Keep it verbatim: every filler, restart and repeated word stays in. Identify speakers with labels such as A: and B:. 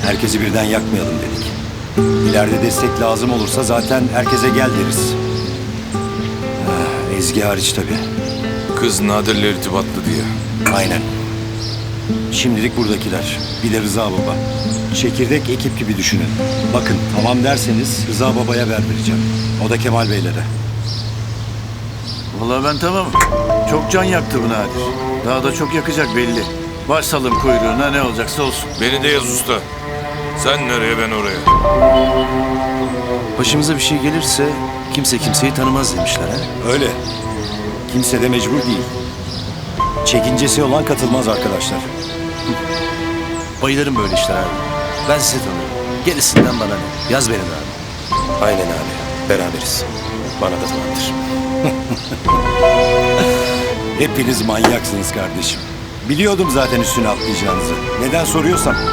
A: Herkesi birden yakmayalım dedik. İleride destek lazım olursa zaten herkese gel deriz. Ah, Ezgi hariç tabii.
B: Kız Nadir'le irtibatlı diye.
A: Aynen. Şimdilik buradakiler. Bir de Rıza Baba. Çekirdek ekip gibi düşünün. Bakın tamam derseniz Rıza Baba'ya haber vereceğim. O da Kemal Beylere.
C: Vallahi ben tamam. Çok can yaktı bu Nadir. Daha da çok yakacak belli. Başsalım kuyruğuna, ne olacaksa olsun.
B: Beni de yaz usta. Sen nereye, ben oraya.
D: Başımıza bir şey gelirse kimse kimseyi tanımaz demişler ha.
A: Öyle. Kimse de mecbur değil. Çekincesi olan katılmaz arkadaşlar.
D: Bayılırım böyle işler abi. Ben sizi tanırım. Gerisinden bana ne? Yaz beni de abi.
E: Aynen abi. Beraberiz. Bana da tamamdır.
A: Hepiniz manyaksınız kardeşim. Biliyordum zaten üstüne atlayacağınızı. Neden soruyorsam